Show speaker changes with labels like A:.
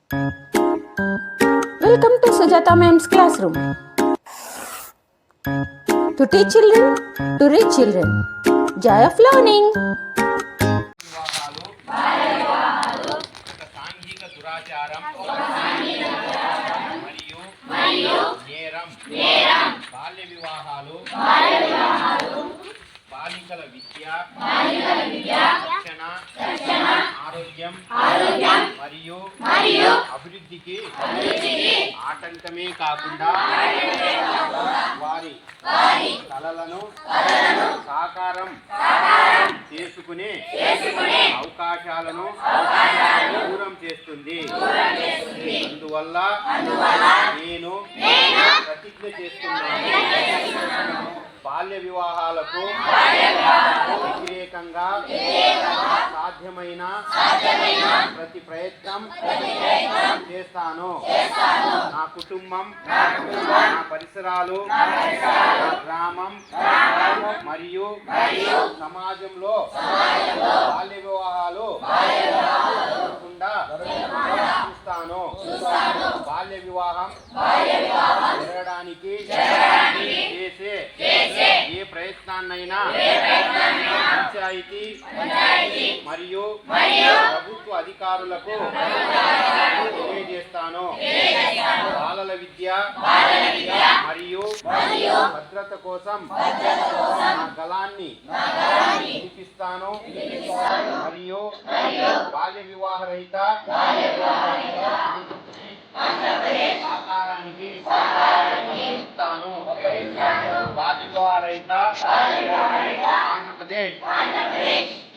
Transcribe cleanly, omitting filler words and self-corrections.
A: Welcome to Sujata Ma'am's classroom. To teach children, to reach children. Joy of learning.
B: సాంఘిక దురాచారం మరియు నేరం బాల్య వివాహాలు బాలికల విద్య రక్షణ ఆరోగ్యం మరియు అభివృద్ధికి ఆటంకమే కాకుండా వారి కలలను సాకారం చేసుకునే అవకాశాలను దూరం చేస్తుంది. అందువల్ల నేను ప్రతిజ్ఞ చేస్తున్నాను, బాల్య వివాహాలకు వ్యతిరేకంగా సాధ్యమైన ప్రతి ప్రయత్నం చేస్తాను. నా కుటుంబం, నా పరిసరాలు, నా గ్రామం మరియు సమాజంలో బాల్య వివాహాలు జరగకుండా చూస్తాను. బాల్య వివాహం జరగడానికి చేసే ఏ ప్రయత్నాన్నైనా పంచాయతీ మరియు ప్రభుత్వ అధికారులకు తెలియజేస్తాను. బాలల విద్య మరియు భద్రత కోసం నా గళాన్ని వినిపిస్తాను మరియు బాల్య వివాహ రహిత ఆకారానికి ఇస్తాను. బాల్య వివాహ రహిత ఆంధ్రప్రదేశ్